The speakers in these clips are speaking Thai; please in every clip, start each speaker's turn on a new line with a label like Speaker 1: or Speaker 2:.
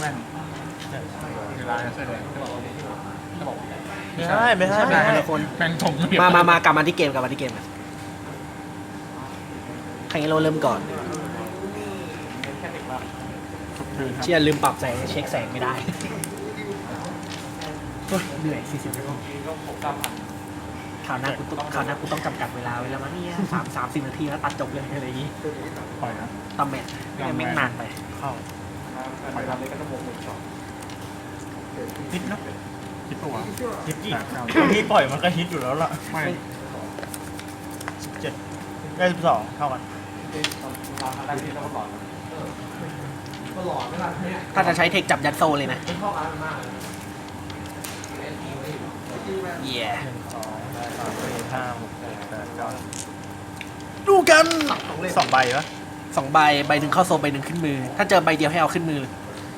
Speaker 1: ว่นเวลาเสื้อแดงจะบอก
Speaker 2: ไม่ใช่ไม่ใช่ไม่ใช่คน
Speaker 1: แม่งถม
Speaker 2: มากลับมาที่เกมกลับมาที่เกมอะใครงั้นเราเริ่มก่อนเชี่ยลืมปรับแสงเช็คแสงไม่ได้โอ๊ยเหนื่อย40 นาทีข่าวหน้ากูต้องจำกัดเวลาไว้แล้วมั้งเนี่ย30 นาทีแล้วตัดจบเลยอะไรอย่างงี้
Speaker 1: ปล่อยนะ
Speaker 2: ตำแหน่งแม่งนานไป
Speaker 1: เข้าปล่อยนะฮิตนะฮิตปะวะ
Speaker 3: ฮิตอีกที่ปล่อยมันก็ฮิตอยู่แล้วล่ะ
Speaker 1: ไม่
Speaker 3: 17ได้12เท่ากัน
Speaker 2: ถ้าจะใช้เทคจับยัดโซเลยนะเย่
Speaker 3: 2 3 4 5 6 7 8 9
Speaker 2: ดูกัน
Speaker 3: 2 ใบปะ
Speaker 2: 2 ใบใบหนึ่งเข้าโซใบหนึ่งขึ้นมือ ถ้าเจอใบเดียวให้เอาขึ้นมือ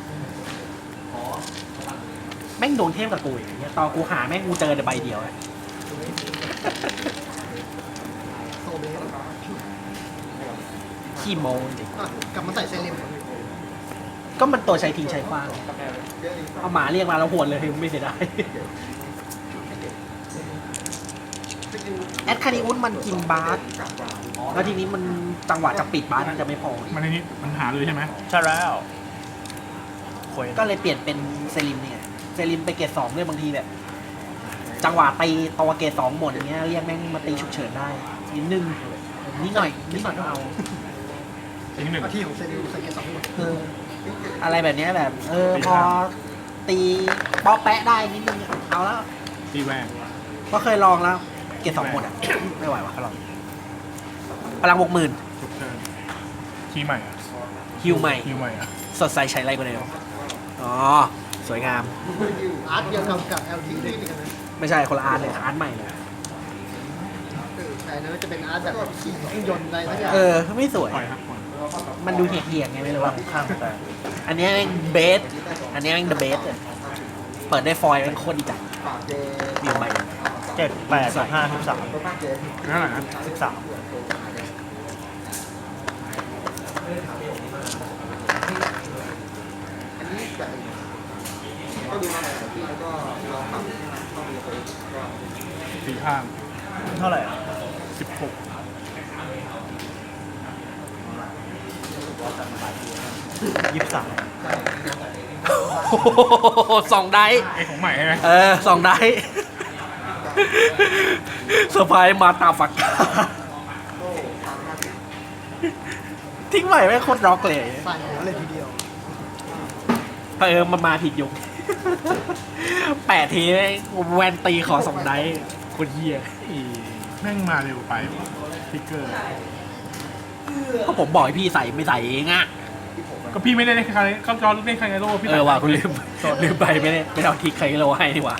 Speaker 2: แม่งโดนเทพกับกูอย่างเงี้ยตอนกูหาแม่งกูเจอแต่ใบเดียวอะขี้โมงจริง
Speaker 4: กลับมาใส่เซเลม
Speaker 2: ก็มันตัวใช้ทิ้งใช้คว้างเอาหมาเรียกมาแล้วหวนเลยไม่เสียดายแอดคาริอุสมันกินบาสแล้วทีนี้มันจังหวะจะปิดบาสมันจะไม่พอ
Speaker 1: มันในนี้มันหาเลยใช่ไหม
Speaker 3: ใช่แล้วคุย
Speaker 2: ก็เลยเปลี่ยนเป็นเซริมเนี่ยเซริมไปเกรด2ด้วยบางทีแบบจังหวะตีตัวเกรด2หมดอย่างเงี้ยเรียกแม่งมาตีฉุกเฉินได้นิดนึงนิดหน่อยก็เอา
Speaker 1: ทีที่หนึ่ง
Speaker 4: อาที่ของเซเลมใส่เกสองหมด
Speaker 2: อะไรแบบเนี้ยแบบพอตีป๊อปแปะได้นิดนึงอะเอาแล้ว
Speaker 1: ตีแหวน
Speaker 2: ก็เคยลองแล้วเกรด2หมดอ่ะ ไม่ไหววะลองพลัง 60,000
Speaker 1: ฉุกเฉินคีย์ใหม่อ่ะ
Speaker 2: ฮิวใหม่
Speaker 1: คีย์ใหม่อ่ะ
Speaker 2: สดใสใช้ไรกว่าเดิมอ๋อสวยงาม
Speaker 4: อาร์ตเดียวกับ LT ด้วยกันนะ
Speaker 2: ไม่ใช่คนละอาร์ตเลยอาร์ตใหม่เลย
Speaker 4: แต่นั้นจะเป็นอาร์ตแบบขี่เครื่องยนต์อะไรสักอย่าง
Speaker 2: ไม่สวย
Speaker 1: ปล่อยครับปล่อย
Speaker 2: มันดูเหี่ยงๆไงไม่รู้ว่า
Speaker 3: ข้างแต่
Speaker 2: อันนี้แม่งเบสอันนี้แม่งเดอะเบสเลยเปิดได้ฟอยล์เป็นโคตรดีจังวิวใหม่
Speaker 3: 7 8 5 13
Speaker 1: นั่นแหละนะ
Speaker 3: 13
Speaker 1: ตีข้าง
Speaker 3: เท่าไหร่อ่ะ
Speaker 1: 16
Speaker 3: 23
Speaker 2: สองได้
Speaker 1: ไอของใหม่ใช่ไหม
Speaker 2: สองได้เซอร์ไพรส์มาตาฝักกาทิ้งใหม่ไม่งโคตรร็อกเลย
Speaker 4: ใส่หัวเลยทีเดียว
Speaker 2: มันมาผิดยุค8 ทีแม่งแวนตีขอสองได้คนเฮีย
Speaker 1: แม่งมาเร็วไปทิกเกอร์
Speaker 2: ก็ผมบอกให้พี่ใส่ไม่ใส่เองอะ
Speaker 1: ก็พี่ไม่ได้เล่นใครก็จอเล่นใครไงโลพี่
Speaker 2: ว่ะคุณลืมไปไม่ได้เอาทิกใครเราให้ดีกว่า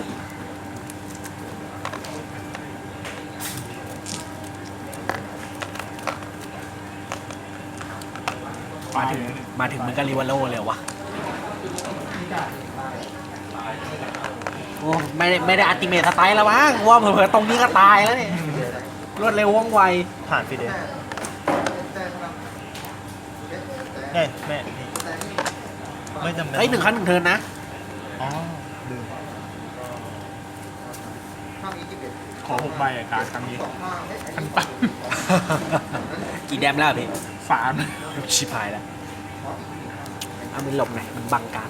Speaker 2: มาถึงมันก็ริวาโลเลยวะโอ้ไม่ได้อัติเมทสไตล์แล้วมั้งว่าเผลอๆตรงนี้ก็ตายแล้วเนี่ยรวดเร็วว่องไว
Speaker 3: ผ่านฟีเดนเฮ้ยแม่นี่ไม่จำเป็น
Speaker 2: เฮ้ย1 ครั้ง 1 เทิร์นนะ
Speaker 3: อ๋อลืม
Speaker 1: ขอ6 ใบอ่ะการครั้งนี้พันตัน
Speaker 2: กี่แดมแล้วพี่
Speaker 1: 3
Speaker 2: ชิพายแล้วเอามือหลบหน่อยมันบังการ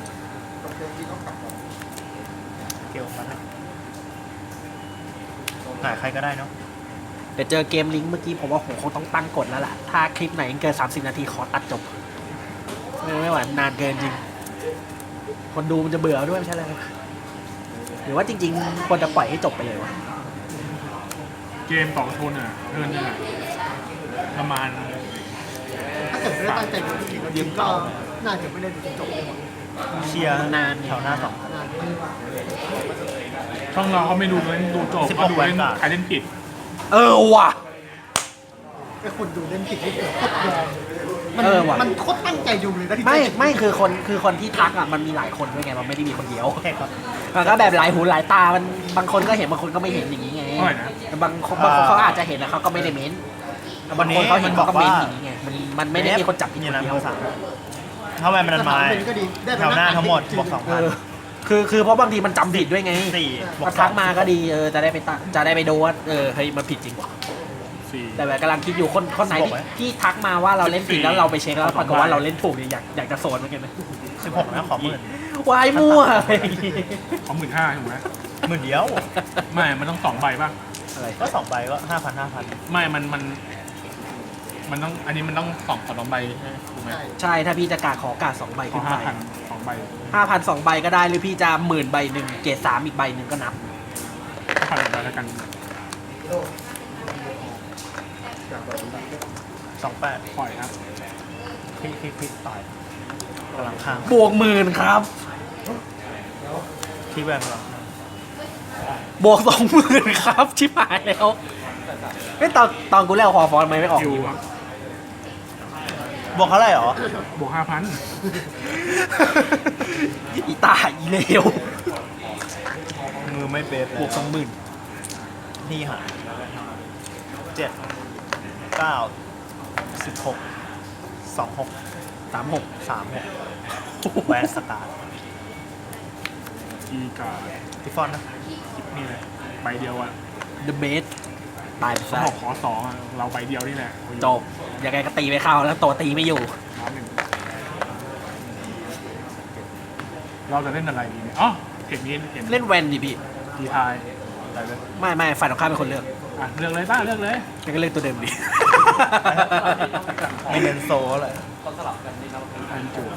Speaker 3: เกลมาให้หายใครก็ได้เนาะ
Speaker 2: เดี๋ยวเจอเกมลิงก์เมื่อกี้ผมว่าผมคงต้องตั้งกฎแล้วล่ะถ้าคลิปไหนเกิน30 นาทีขอตัดจบไม่ไหวนานเกินจริง คนดูมันจะเบื่อด้วยไม่ใช่เลยหรือว่าจริงๆควรจะปล่อยให้จบไปเลยวะ
Speaker 1: เกมต่อชนอ่ะเทิร์นหนึงอ่ะประมาณ
Speaker 4: ถ้าเกิดไม่ได้ตั้งใจดูจริงๆจริงก็น่าจะไม่ได้ดูจนจบเลย
Speaker 3: เชียร์
Speaker 2: นาน
Speaker 3: แถวหน้า 2
Speaker 4: นาน
Speaker 1: ช่องเราเขาไม่ดูเล่นดูจบ
Speaker 3: 16
Speaker 1: เขาดูเล่น
Speaker 3: แวนการ์ด
Speaker 1: ใครเล่นผิด
Speaker 2: ว่ะ
Speaker 4: ไอ้คนดูเล่นผิดนี่คือโคตรยอม
Speaker 2: ว่ะ
Speaker 4: มันโคตรตั้งใจดูเลยนะที่
Speaker 2: ไม่คือคนที่ทักอ่ะมันมีหลายคนด้วยไงมันไม่ได้มีคนเดียว
Speaker 3: แค่ครับ
Speaker 2: มันก็แบบหลายหูหลายตามันบางคนก็เห็นบางคนก็ไม่เห็นอย่างนี้ไง
Speaker 1: เท่าไหร่นะ
Speaker 2: แต่บางคนเขาอาจจะเห็นแล้วเขาก็ไม่ได้เม้นแต่บางคนเขาเห็นเขาก็เม้นอย่างนี้ไงมันไม่ได้มีคนจับผิด
Speaker 3: มี
Speaker 2: คน
Speaker 3: นะ
Speaker 2: เดียว
Speaker 3: ภาษาถ้าแวนมันไม้
Speaker 4: ก็ดีได้
Speaker 3: แถวหน้าทั้งหมดบวก
Speaker 2: เออคือเพราะบางทีมันจำผิดด้วยไง
Speaker 3: 4บว
Speaker 2: มาก ทักมาก็ดีจะได้ไปจะได้ไปดูว่าเฮ้ยมันผิดจริง
Speaker 1: สี่
Speaker 2: แต่แบบกำลังคิดอยู่คนไหนที่ทักมาว่าเราเล่นผิดแล้วเราไปเช็คแล้วปรากฏว่าเราเล่นถูกเนี่ยอยากจะโซนเหมือนกันนะ
Speaker 3: 16นะขอหมื่น
Speaker 2: วายมั่วอะไรอย่างงี้
Speaker 1: เขา15,000ถูกไหม
Speaker 3: หมื่นเดียว
Speaker 1: ไม่มันต้อง2 ใบป่ะ
Speaker 2: อะไร
Speaker 3: ก็2ใบก็5,000
Speaker 1: ไม่มันต้องอันนี้มันต้อง2 ใบใช่ไหมถูกไหม
Speaker 2: ใช่ถ้าพี่จะกาขอกา2 ใบ
Speaker 1: ขอ
Speaker 2: ขึ้นไป
Speaker 1: 5,000 2 ใบ
Speaker 2: 5,000 2 ใบก็ได้หรือพี่จะ10,000 ใบหนึ่งเกรด3อีกใบหนึ่งก็นับ
Speaker 1: 5,000 ใบแล้วกัน
Speaker 3: 28
Speaker 1: ปล่อยครับ
Speaker 3: คลิกต่อยกำลังข้าง
Speaker 2: บวก10,000ครับ
Speaker 3: ที่แวนเรา
Speaker 2: บวก20,000ครับชิบหายแล้วเฮ้ยตอนกูเล่นคอฟอนไม่ออก
Speaker 1: คิว
Speaker 2: ดี
Speaker 1: ครั
Speaker 2: วะ
Speaker 1: บบ
Speaker 3: วกเท่าไหร่หรอ
Speaker 1: บวก 5,000
Speaker 2: อีตาอีเลว
Speaker 3: มือไม่เบฟ
Speaker 2: บวก20,000
Speaker 3: นี่หา7 9 16 26
Speaker 2: 36
Speaker 3: 36แวนสตาร์
Speaker 1: อีกา
Speaker 3: ที่ฟอนนะ
Speaker 1: นี่แหละใบเดียวอะ
Speaker 2: The Best ตายไป
Speaker 1: เขา
Speaker 2: ซะ
Speaker 1: บอกขอ2อะเราใบเดียวนี่แหละ
Speaker 2: จบยังไงก็ตีไม่เข้าแล้วตัวตีไม่อยู่
Speaker 1: น้ำหนึ่งเราจะเล่นอะไรดีเนี่ยอ๋อเทคนี้เห็น
Speaker 2: เล่นแวนดิพี่
Speaker 1: ดีทายอะไรเลย
Speaker 2: ไม่ฝ่ายตรงข้ามเป็นคนเลือก
Speaker 1: อ่ะเลือกเลยป้าเลือกเลย
Speaker 2: แกก็เลือกตัวเดิมดิ
Speaker 3: ไม่เน้นโซเลย
Speaker 1: อันจั่ว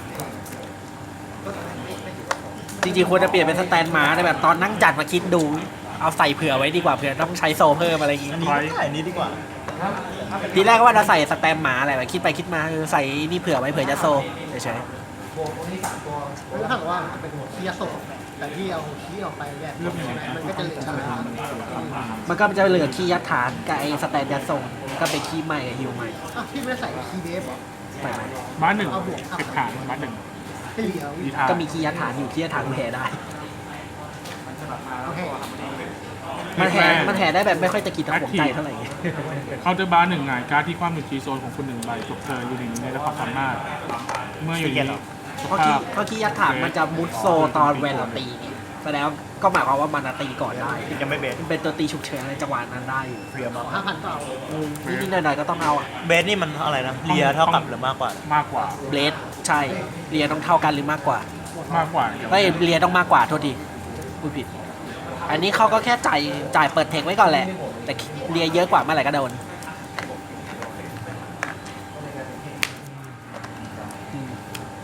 Speaker 2: จริงๆควรจะเปลี่ยนเป็นสแตนมาแต่แบบตอนนั่งจัดมาคิดดู เอาใส่เผื่อไว้ดีกว่าเผื่อต้องใช้โซเพิ่มอะไรอย่างงี้
Speaker 3: อันนี้ไม่ได้อันนี้ดีกว่า
Speaker 2: ทีแรกก็ว่าจะใส่สแตมหมาอะไรแบบคิดไปคิดมาใส่นี่เผื่อไว้เผื่อจะโซเฉย
Speaker 4: แล้วถ้าเกิดว่ามันจะเป็นคีย์โซแต่ที่เอาคีย์ออกไปแยกมันก็จะเหลือชา
Speaker 2: ๆมันก็จะเหลือคีย์ยัดฐานกับไอ้สแตนยัดทรงก็เป็นคีย์ใหม่กับฮิวใหม่
Speaker 4: อ่ะพี่ไม่ได้ใส่คีย์เดฟเหรอ
Speaker 2: ใหม่
Speaker 1: บ้านหนึ่งเก็บฐานบ้านหนึ่ง
Speaker 4: ให้เหลือ
Speaker 1: ดีทาย
Speaker 2: ก็มีคีย์ยัดฐานอยู่คีย์ยัดฐานแห่ได้
Speaker 4: โอเค
Speaker 2: มันแห่ได้แบบไม่ค่อยตะกิดตะขวงใจเท่าไหร่
Speaker 1: เขาจะบ้านหนึ่งไงการดที่ความหนึ่งทีโซนของคุณ1 ใบจบเธออยู่หนึ่งในระดับความสามารถเมื่ออยู่ในส
Speaker 2: เพราะ
Speaker 1: ภา
Speaker 2: คี
Speaker 1: พ
Speaker 2: เพราะคีย์ยัดฐานมันจะมุดโซตอนแวนเราตีไงแสดงก็หมายความว่ามันตีก่อนได้
Speaker 3: ยังไม่เบส
Speaker 2: มันเป็นตัวตีฉุกเฉินในจังหวะนั้นได้อยู่
Speaker 3: เรียมาก
Speaker 4: 5,000ก็เอา
Speaker 2: นิดๆหน่อยๆก็ต้องเอาอะ
Speaker 3: เบสนี่มันอะไรนะเลียเท่ากับหรือมากกว่า
Speaker 1: มากกว่า
Speaker 2: เบลดใช่เรียต้องเท่ากันหรือมากกว่า
Speaker 1: มากกว่าเดี๋ยว
Speaker 2: ไม่เรียต้องมากกว่าโทษทีพูดผิด อันนี้เขาก็แค่จ่ายเปิดเทคไว้ก่อนแหละ แต่เรียเยอะกว่าเมื่อไหร่ก็โดนอืม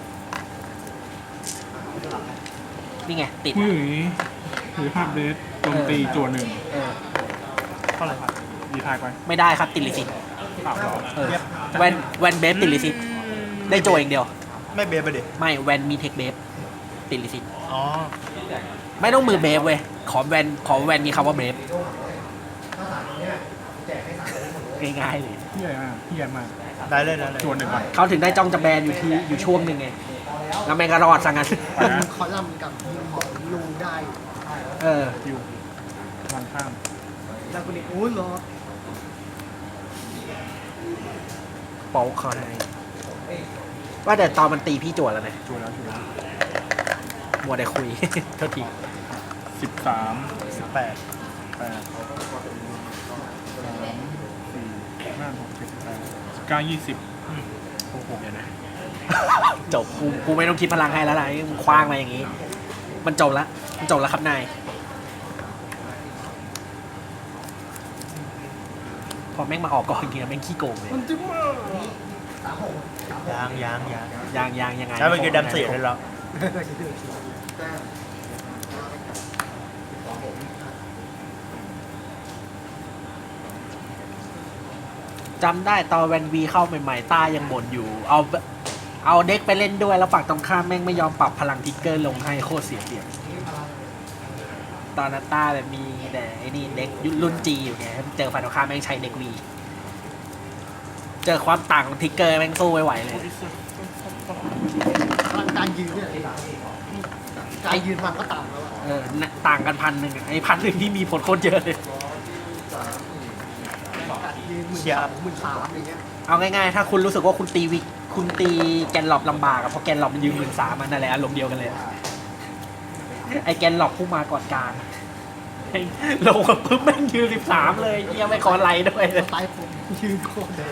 Speaker 2: นี่ไง ติด
Speaker 1: ผู้หญิงถือภาพเดสโจมตีจั่วหนึ่ง
Speaker 2: เออ
Speaker 3: เท่าไหร่ครับ
Speaker 1: ดีทายไป
Speaker 2: ไม่ได้ครับติดลิสิต
Speaker 1: อ้าวเหรอ
Speaker 2: เออแวนเบฟติดลิสิตได้โจอย่างเดียว
Speaker 3: ไม่เบสไปดิ
Speaker 2: ไม่แวนมีเทคเบฟติดลิสิต
Speaker 3: อ๋อ
Speaker 2: ไม่ต้องมือเบฟเว้ยขอแวนมีคำว่าเบฟง่ายๆเลย
Speaker 1: พี่ใหญ่มากพี่ใหญ่มาก
Speaker 3: ได้เลยได้เลย
Speaker 1: จั่วหนึ่งก่อน
Speaker 2: เขาถึงได้จ้องจะแบนอยู่ช่วงหนึ่งไงแล้วแม่งก็รอดซะงั้น
Speaker 1: ไปนะ
Speaker 4: คอลัมน์กับทีมของลูได้
Speaker 2: เออ
Speaker 1: คิววางข้าม
Speaker 4: แล้วคนนี้โอ้ยเหรอ
Speaker 2: โป๊กเขาให้ว่าแต่ตอนมันตีพี่จวดแล้วนะ
Speaker 1: จั่วแล้วจั่วแล้ว
Speaker 2: มัวแต่คุย โทษที
Speaker 1: 13
Speaker 3: 18
Speaker 1: 8 3 4 5 6 7 8 9 20
Speaker 2: โอ้โหเดี๋ยวนะ จบกูไม่ต้องคิดพลังให้แล้วนะมึงคว้างมาอย่างงี้ มันจบละมันจบแล้วครับนายพอแม่งมาออกก่อนจริงๆแม่งขี้โกงเลย
Speaker 1: มันจิ้มมาก
Speaker 3: ยาง
Speaker 2: ยังไง
Speaker 3: ใช้เป็นคือดัมเสียได้แล้ว
Speaker 2: จำได้ตอนแวนวีเข้าใหม่ๆต้ายังบ่นอยู่ เอาเด็กไปเล่นด้วยแล้วฝั่งตรงข้ามแม่งไม่ยอมปรับพลังทิกเกอร์ลงให้โคตรเสียเปรียบตอนนั้นต้าแบบมีแต่ไอ้นี่เด็กรุ่นจีอยู่ไงเจอฝั่งตรงข้ามแม่งใช้เด็กวีเจอความต่างของทิกเกอร์แม่งสู้ไม่ไหวเลย
Speaker 4: พลังการยืนเนี่ยการยืนมันก็ต่างแล้วอะ
Speaker 2: เออน่ะต่างกัน1,000อะไอ้1,000ที่มีผลโคตรเยอะเลย
Speaker 4: การยืน13,000 13,000อย่างเงี้ย
Speaker 2: เอาง่ายๆ ถ้าคุณรู้สึกว่าคุณตีวิคุณตีแกนหลอบลำบากอะเพราะแกนหลอบมันยืม13,000มันนั่นแหละอารมณ์เดียวกันเลย ไอแกนหลอบผู้มาก่อนกลางลงกับปึ๊บแม่งยืม13เลยเยี่ยไม่ขอไลน์ด้วย
Speaker 4: ตายผมยืนโคตรเลย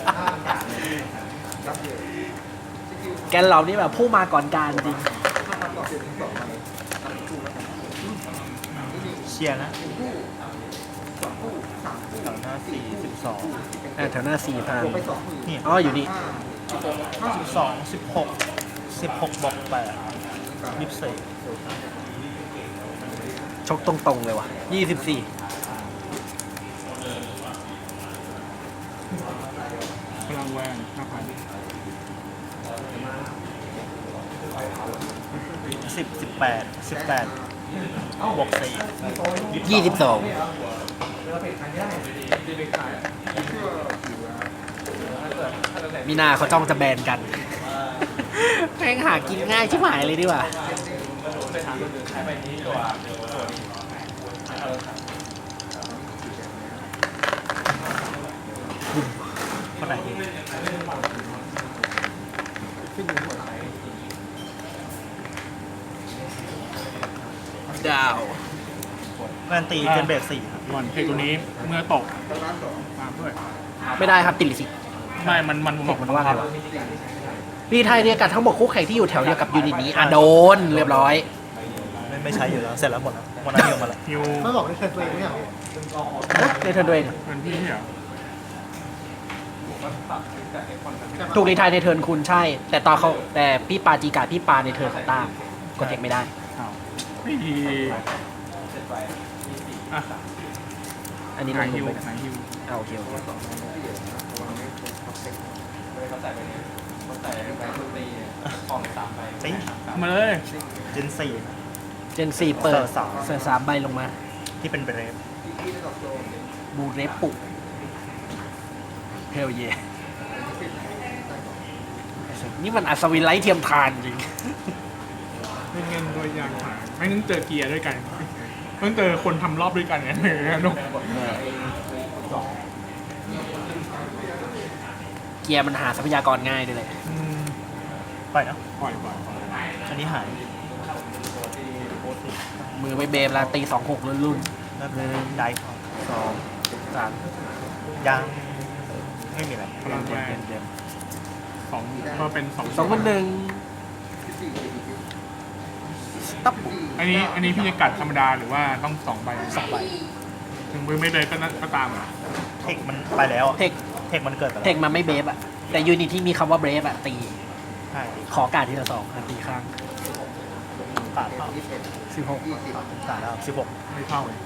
Speaker 2: แกนหลอบนี่แบบผู้มาก่อนการจริง
Speaker 3: เชียร์นะแถวหน้า42
Speaker 2: แถวหน้า4,000
Speaker 3: นี่
Speaker 2: อ๋ออยู่นี่
Speaker 3: 12 16บวก8 24
Speaker 2: ชกตรงๆเลยว่ะ24
Speaker 1: พลังแวน5,000
Speaker 3: 10 18บวก4
Speaker 2: 22มีนาเขาจ้องจะแบนกันแม่งหากินง่ายชิบหายเลยดีกว่า
Speaker 3: คนไหน
Speaker 2: ดาว
Speaker 3: แวนตีเกินเบส4ครับ
Speaker 1: ก่อนเพลงตัวนี้เมื่อตกตามด้วย
Speaker 2: ไม่ได้ครับติดลิสิ
Speaker 1: ไม่มันบอก
Speaker 2: มันว่าไงวะรีไทยเรียกับทั้งหมดคู่แข่งที่อยู่แถวเดียวกับยูนิตนี้โดนเรียบร้อย
Speaker 3: ไม่ใช้อยู่แล้วเสร็จแล้วหมดแล้วหมดแล้วเดียวมาแล้ว
Speaker 1: ฮิว
Speaker 4: ไม่บอกได้เคยตัวเองไม่เหรอ
Speaker 2: ในเทิร์นตัวเอง
Speaker 1: เป็นพี่เหรอ
Speaker 2: ถูกรีไทยในเทิร์นคุณใช่ แต่พี่ปาจีกาพี่ปาในเทิร์นของต้ากดเทคไม่ได้
Speaker 1: อ้าวไม่ดีอ่ะ
Speaker 2: อันนี้
Speaker 1: ไห
Speaker 2: ล
Speaker 1: น
Speaker 2: ง
Speaker 1: ฮิว
Speaker 2: ไป
Speaker 1: ไหนฮิว
Speaker 2: โอเคโอเค
Speaker 3: จริง
Speaker 1: มาเลย
Speaker 3: เจน
Speaker 2: เจน4เปิด
Speaker 3: เสิร์ฟสาม
Speaker 2: เสิร์ฟ3ใบลงมา
Speaker 3: 4ที่เป็นเบรฟ
Speaker 2: บูเรปุเฮลเยนี่มันอัศวินไร้เทียมทานจริง
Speaker 1: ไม่เงินโดยอย่างหาไม่นึงเจอเกียร์ด้วยกันเพิ่งเจอคนทำรอบด้วยกันไงนุก
Speaker 2: เกียร์มันหาทรัพยากรง่ายด้วยเลย
Speaker 3: ปล่อยเนาะ
Speaker 1: ปล่อย
Speaker 3: อันนี้หาย
Speaker 2: มือไปเบมแล้วตี26รุ่น
Speaker 3: แล้วได้ครับ
Speaker 2: 2 3
Speaker 3: ยังไม่มีอะไร
Speaker 1: พลังแวน
Speaker 2: เดิม
Speaker 1: สองก็เป็นสอง
Speaker 2: 2มัน1สต็อป
Speaker 1: อันนี้พี่จะกัดธรรมดาหรือว่าต้อง2 ใบ
Speaker 3: 2 ใบ
Speaker 1: ถึงมือไม่เลยก็ตามเหรอ
Speaker 3: เทคมันไปแล้วอะ
Speaker 2: เทค
Speaker 3: เทคมันเกิดไปแล้ว
Speaker 2: เทคมันไม่เบฟอะแต่ยูนิตที่มีคำว่าเบฟอะตี
Speaker 3: ใช่
Speaker 2: ขอการทีละ2ตีข้าง
Speaker 3: ขาดเท่า
Speaker 2: 16
Speaker 3: ขาดแล้ว16
Speaker 1: ไม่เข้าเลย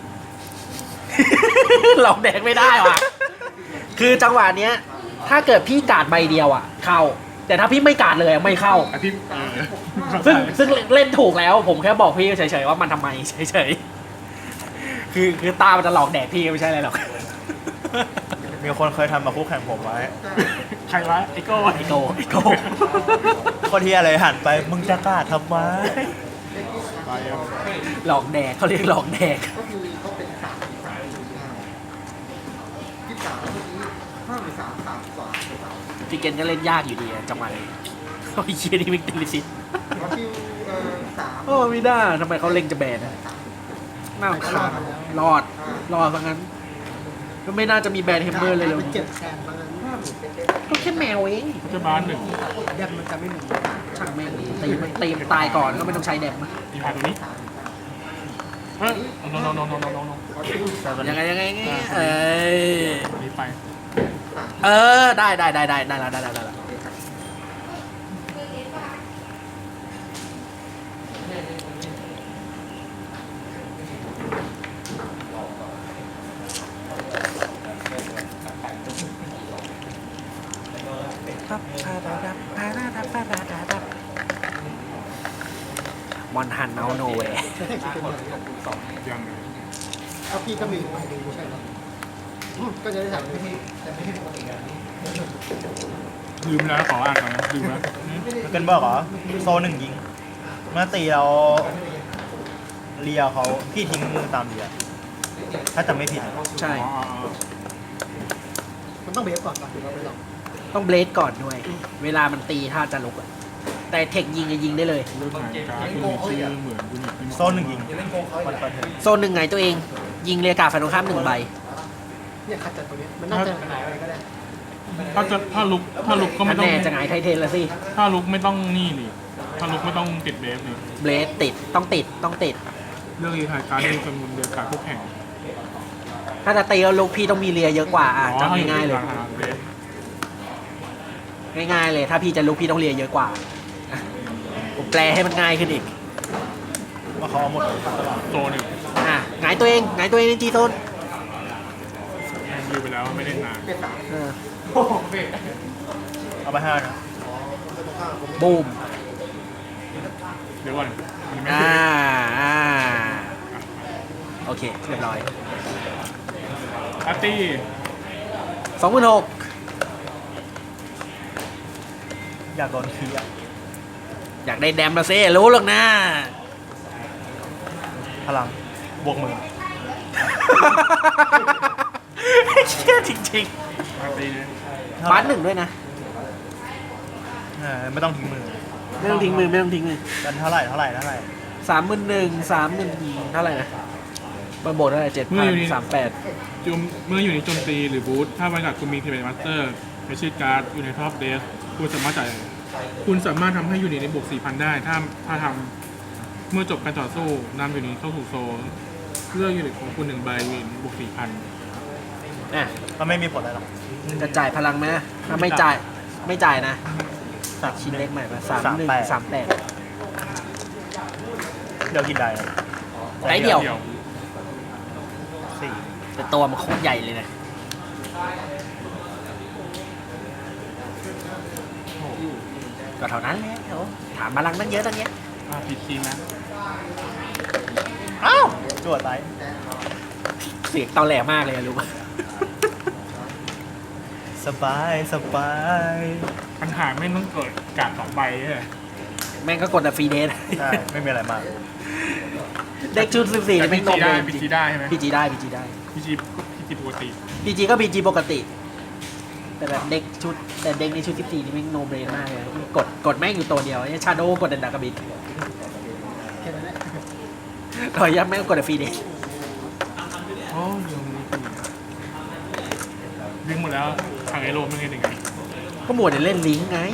Speaker 2: หลอกแดกไม่ได้ว่ะ คือจังหวะเนี้ย ถ้าเกิดพี่การ์ดใบเดียวอ่ะ เข้า แต่ถ้าพี่ไม่การ์ดเลยอะไม่เข้า
Speaker 1: แต่พี่
Speaker 2: ซึ่งเล่นถูกแล้ว ผมแค่บอกพี่เฉยๆว่ามันทำไมเฉยๆคือตามันจะหลอกแดกพี่ไม่ใช่อะไรหรอก
Speaker 3: มีคนเคยทำมาคู่แข่งผมไว้
Speaker 1: ใครวะไอโก้
Speaker 2: ไอโก้ไอโก้
Speaker 3: คนที่อะไรหันไปมึงจะกล้าทำไม
Speaker 1: ไปอ่ะ
Speaker 2: หลอกแดกเขาเรียกหลอกแดก
Speaker 4: ก็คือเขาเป็น23เมื่อกี้53 กว่า
Speaker 2: พี่เกนก็เล่นยากอยู่ดีอะจังหวะนี้โอ้ยเชี่ยนี่มิกติลิซิต
Speaker 4: คิว3
Speaker 2: โอ้ไม่ได้ทำไมเขาเล่งจะแบนอะน่ารำคาญรอดซะงั้น ก็ไม่น่าจะมีแบนเฮมเมอร์เลยเลย
Speaker 4: เจ็บแทนบางนั้น
Speaker 2: ก็แค่แมวเอง
Speaker 1: เจะบ้านหนึ่ง
Speaker 4: แดมมันจะไม่หมุน
Speaker 2: ช่างแม่งตีมันตายก่อนก็ไม่ต้องใช้แดมอะ
Speaker 1: มีหาตัวนี้เฮ้ยโน
Speaker 2: ยังไงเอ้ย
Speaker 1: นี้ไป
Speaker 2: ได้แล้วมอนฮันเอาโนเว
Speaker 4: ใช้เทคนิคเป็นเหมือนกัน
Speaker 1: ยังเลย
Speaker 4: ถ้าพี่ก็มีใบหนึ่งไม่ใช่หรอก็จะได้ถามพี่แต่ไม่ใช่ปกติ
Speaker 1: ลืมแล้วขออ่านก่อนนะลืมแล้ว
Speaker 3: เกินบอกเหรอโซน1ยิงเมื่อตีเราเลียเขาพี่ทิ้งมือตามเลียถ้าจำไม่ผิดนะ
Speaker 2: ใช่
Speaker 1: อ๋อ
Speaker 4: มันต้องเบฟก่อนถึงเราไปหลอก
Speaker 2: ต้องเบลดก่อนด้วย เวลามันตีถ้าจะลุกอะแต่เทคยิงจะยิงได้เลย
Speaker 1: เรื่องหงายการ์ดที่มีชื่อเหมือนยูนิต
Speaker 3: โซนหนึ่งยิงมันเปิดเทิร์น
Speaker 2: โซนหนึ่งไงตัวเอง ยิงเรียกาฝ่ายตรงข้าม1 ใบ
Speaker 4: เนี่ยขัดจัดตัวเนี้ยมันน่าจะหายอะไรก็ได้
Speaker 1: ถ้าลุกก็
Speaker 2: อั
Speaker 1: ไม่
Speaker 2: น
Speaker 1: ต้อง
Speaker 2: แน่จะหงายไทเทนแล้วสิ
Speaker 1: ถ้าลุกไม่ต้องนี่นี่ถ้าลุกไม่ต้องติดเบฟนี่
Speaker 2: เบลดติดต้องติดต้องติด
Speaker 1: เรื่องรีไทายการ์ดที่มีจำนวนเดียวกับคู่แข่ง
Speaker 2: ถ้าจะตีแล้วลุกพี่ต้องมีเรียเยอะกว่าอ่ะจำง่ายๆเลย
Speaker 1: เบฟ
Speaker 2: ง่ายๆเลย ถ้าพี่จะลุกพี่ต้องเรียเยอะกว่าอ่ะผมแปลให้มันง่ายขึ้นอีก
Speaker 3: ว่าเขาเอาหมดเลยตลอด
Speaker 1: โซนหนึ่ง
Speaker 2: อ่ะหงายตัวเองหงายตัวเองในจีโซน
Speaker 1: ยืมไปแล้วไม่ได้นาน
Speaker 2: เออ
Speaker 3: เอาไป5นะ
Speaker 2: บูม
Speaker 1: เดี๋ยวก่อนมันไม่
Speaker 2: อ่า
Speaker 1: ถึง
Speaker 2: อ่าโอเคเรียบร้อย
Speaker 1: อาร์ตี้
Speaker 2: 26,000
Speaker 3: อยากโดนคีย์อะ
Speaker 2: อยากได้แดมมาเซ่รู้หรอกนะ
Speaker 3: พลังบวกมือ
Speaker 2: เชี่ยจริง
Speaker 1: อาร์ตี้เนี่ย
Speaker 2: ๆบ้านหนึ่งด้วยนะ
Speaker 3: ไม่ต้องทิ้งมือ
Speaker 2: ไม่ต้องทิ้งมือไม่ต้องทิ้งมือ
Speaker 3: กันเท่าไหร่
Speaker 2: 31,000 30,000เท่าไหร่นะมาโบดเท่าไหร่7,038
Speaker 1: เมื่ออยู่ในโจมตีหรือบูธถ้าบริษัทคุณมีเทเบนมาสเตอร์ในชื่อการ์ดอยู่ในท็อปเดสคุณสามารถทำให้ยูนิตในบวก 4,000 ได้ถ้าทำเมื่อจบการต่อสู้นำยูนิตเข้าสู่โซนเลือกยูนิตของคุณ1 ใบยูนิตบวก 4,000
Speaker 2: อ่ะ
Speaker 3: มันไม่มีผลอะไรหรอก
Speaker 2: จะจ่ายพลังไหมถ้าไม่จ่ายนะตัดชิ้นเล็กใหม่มา3138
Speaker 3: เดี๋ยวกินได้นะ
Speaker 2: ได้เดียว
Speaker 3: 4
Speaker 2: แต่ตัวมันโคตรใหญ่เลยนะก็เท่านั้นแหละโอ้ถามพลังตั้งเยอะตั้งเนี้ย
Speaker 1: ผิดทีมนะ
Speaker 3: อ้าวจวดไร
Speaker 2: เสียงตอแหลมากเลยอะรู้ปะ
Speaker 3: สบาย
Speaker 1: ปัญหาไม่ต้องเกิดการ์ด2 ใบใช่ไหม
Speaker 2: แม่งก็กดแต่ฟรีเดท
Speaker 3: ใช่ไม่มีอะไรมาก
Speaker 2: เด็กชุด14จะไม่ตรงเลย
Speaker 1: พีจีได้ใช่ไหม
Speaker 2: พีจีได้
Speaker 1: พีจีปกติ
Speaker 2: พีจีก็พีจีปกติ แต่แบบเด็กในชุด14นี่แม่งโนเบรนมากเลยกดแม่งอยู่ตัวเดียวชาโดกดเดนดากาบิด
Speaker 4: แค่นั้นแหละ
Speaker 2: ต่อยยับแม่งกดแต่ฟรีเดท
Speaker 1: โอ้ยยังมีวิ่งหมดแล้วทางไอโรมเป็นไงถึงไง
Speaker 2: ก็หมวดเล่นลิงก์ไง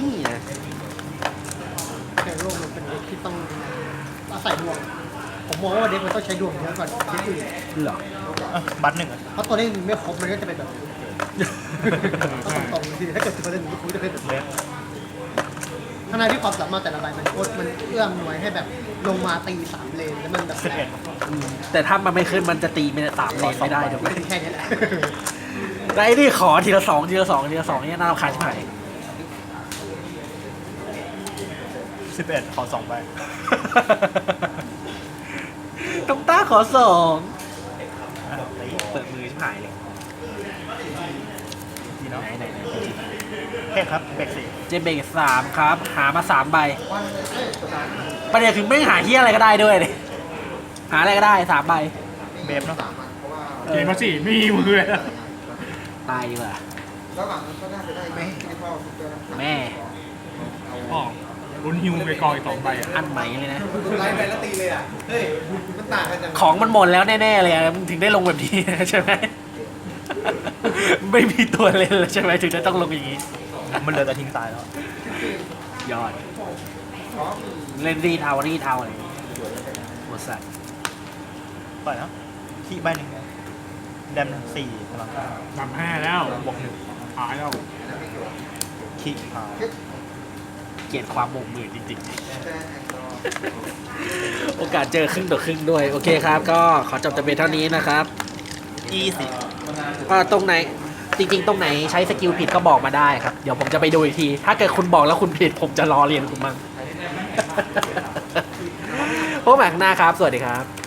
Speaker 4: แต่โลกมันเป็นเด็กที่ต้องอาศัยดวง ผมมองว่าเด็กมันต้องใช้ดวงเยอะกว่าเด็กอื่น
Speaker 2: เหรอ
Speaker 3: บัตรหนึ่งอะ
Speaker 4: เพราะตัวเลขไม่ครบมันก็จะเป็นแบบต้องตรงๆทีถ้าเกิดตัวเลขมันก็จะเป็นแบบ
Speaker 3: เล็ก
Speaker 4: ขณะที่ความสามารถแต่ละใบมันเอื้อมหน่วยให้แบบลงมาตี3 เลนแล้วมันแบบ
Speaker 3: 11
Speaker 2: แต่ถ้ามันไม่ขึ้นมันจะตีไม่ได้3 เลนไม่ได้ถูกไหม
Speaker 4: เป็นแค่นี้แหละ
Speaker 2: แต่ไอ้นี่ขอทีละ2เนี่ยน่ารำคาญชิบหาย
Speaker 3: 11 ขอ2 ใบ
Speaker 2: ต้องต้าขอ2
Speaker 3: อ่ะตี
Speaker 2: เปิดมือชิบหายเลย
Speaker 3: ดีเนาะ
Speaker 2: ไหน
Speaker 3: เฮ้ครับเบรกสี่
Speaker 2: เจมเบก3ครับ หามา3 ใบประเด็นคือไม่หาเฮียอะไรก็ได้ด้วยดิหาอะไรก็ได้3 ใบ
Speaker 3: เบฟเนาะ
Speaker 1: เกมมาสิไม่มีมือเลย
Speaker 2: ตายดีกว่า
Speaker 5: แล้วหลังนั้นก็น่าจะได้ไหมที่พ่อสุดยอด
Speaker 2: แม่
Speaker 1: อ๋อลุ้นฮิวไปกองอีก2 ใบอ่ะ
Speaker 2: อันใหม่เลยนะ
Speaker 5: ไล่ไปแล้วตีเลยอ่ะ เฮ้ย มันต่างกันจัง
Speaker 2: ของมันหมดแล้วแน่ๆเลยอะมึงถึงได้ลงแบบนี้ ใช่ไหม ไม่มีตัวเล่นแล้วใช่ไหมถึงได้ต้องลงอย่างนี้
Speaker 3: มันเหลือแต่ทิ้งตายแล้ว
Speaker 2: ยอด เล่นรีดเอาอะไรอย่างงี้หมดสัตว์
Speaker 3: ปล่อยเนาะขี้ใบหนึ่งแดม4พลัง
Speaker 1: 5แล้ว
Speaker 3: บวก
Speaker 1: หายแล้ว
Speaker 3: 1ขี้พา
Speaker 2: เกลียดความบงมือจริงๆ โอกาสเจอครึ่งต่อครึ่งด้วย โอเคครับ ก็ขอจบแต่เพียงเท่านี้นะครับ ตรงไหนจริงๆ ตรงไหนใช้สกิลผิดก็บอกมาได้ครับ เดี๋ยวผมจะไปดูอีกที ถ้าเกิดคุณบอกแล้วคุณผิด ผมจะรอเรียนคุณมั่ง พบกันใหม่ข้างหน้าครับ สวัสดีครับ